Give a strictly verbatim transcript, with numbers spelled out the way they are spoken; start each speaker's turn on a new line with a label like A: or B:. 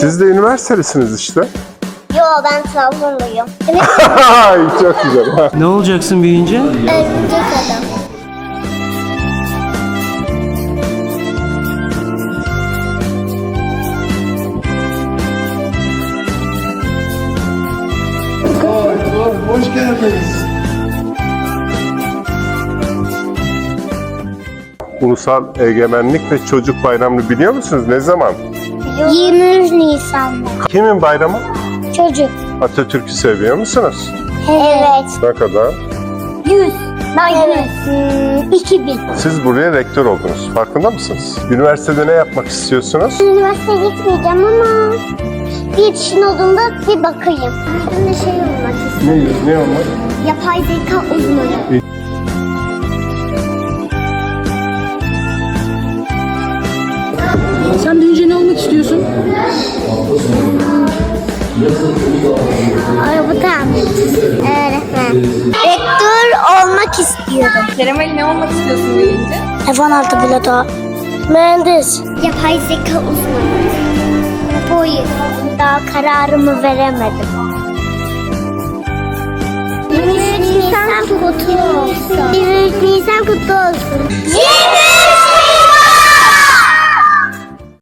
A: Siz de üniversitelisiniz işte.
B: Yo, ben Trabzonluyum.
A: Çok güzel.
C: Ne olacaksın büyüyünce?
B: Örümcek adam.
D: Hoş geldiniz.
A: Ulusal Egemenlik ve Çocuk Bayramı'nı biliyor musunuz? Ne zaman?
B: yirmi üç Nisan'da.
A: Kimin bayramı?
B: Çocuk.
A: Atatürk'ü seviyor musunuz?
B: Evet.
A: Ne kadar?
B: yüz. Ben evet. Hmm, iki bin.
A: Siz buraya rektör oldunuz. Farkında mısınız? Üniversitede ne yapmak istiyorsunuz?
B: Üniversiteye gitmeyeceğim ama bir yetişkin olduğumda bir bakayım. Ben de şey olmak istiyorum.
A: Ne, ne olmak?
B: Yapay zeka uzmanı.
E: Sen büyüyünce ne olmak istiyorsun?
B: Araba tamircisi. Öğretmen. Rektör olmak istiyorum.
E: Kerem Ali ne olmak istiyorsun büyüyünce?
B: F on altı pilotu. Mühendis. Yapay zeka uzmanı. Polis. Daha kararımı veremedim. yirmi üç Nisan kutlu olsun. yirmi üç Nisan kutlu olsun.